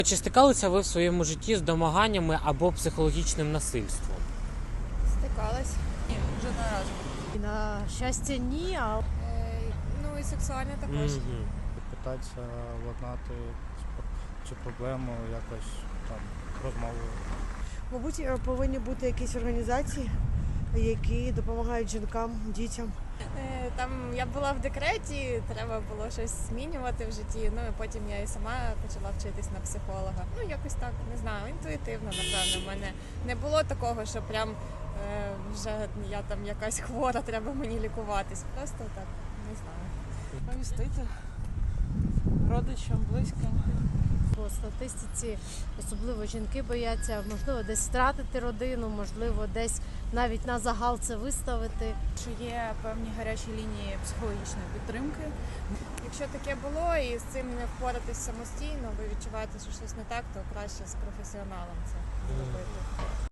Чи стикалися ви в своєму житті з домаганнями або психологічним насильством? Стикалась. Ні, жодного разу. На щастя, ні, а Ну і сексуальне також. Питатися владнати цю проблему якось там розмовою. мабуть, повинні бути якісь організації, які допомагають жінкам, дітям. Там я була в декреті, треба було щось змінювати в житті. Ну і потім я і сама почала вчитись на психолога. Ну якось так, не знаю, інтуїтивно, напевно. В мене не було такого, що прям вже я там якась хвора, треба мені лікуватись. Просто так, не знаю. Повістити родичам, близьким. По статистиці особливо жінки бояться, можливо, десь втратити родину, можливо, десь навіть на загал це виставити. Що є певні гарячі лінії психологічної підтримки. Якщо таке було і з цим не впоратись самостійно, ви відчуваєте, що щось не так, то краще з професіоналом це робити.